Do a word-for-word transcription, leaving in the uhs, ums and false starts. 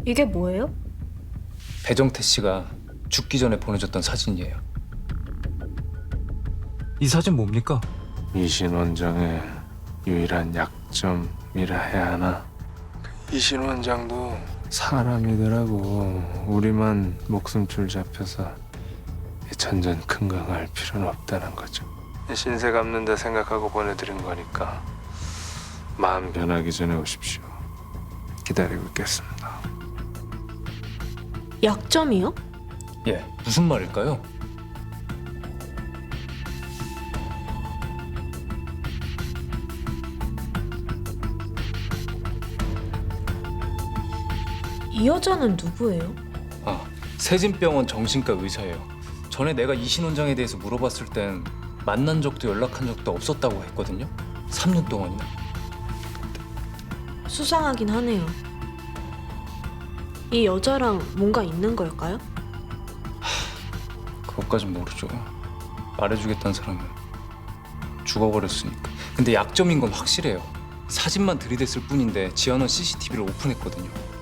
이게 뭐예요? 배정태 씨가 죽기 전에 보내줬던 사진이에요. 이 사진 뭡니까? 이신 원장의 유일한 약점이라 해야 하나? 이신 원장도 사람이더라고. 우리만 목숨줄 잡혀서 이 천전 큰강할 필요는 없다는 거죠. 신세 갚는다 생각하고 보내드린 거니까 마음 변하기 전에 오십시오. 기다리고 있겠습니다. 약점이요? 예, 무슨 말일까요? 이 여자는 누구예요? 아, 세진병원 정신과 의사예요. 전에 내가 이신 원장에 대해서 물어봤을 땐 만난 적도 연락한 적도 없었다고 했거든요. 삼 년 동안이나. 수상하긴 하네요. 이 여자랑 뭔가 있는 걸까요? 그것까진 모르죠. 말해주겠다는 사람은 죽어버렸으니까. 근데 약점인 건 확실해요. 사진만 들이댔을 뿐인데 지연은 씨씨티비를 오픈했거든요.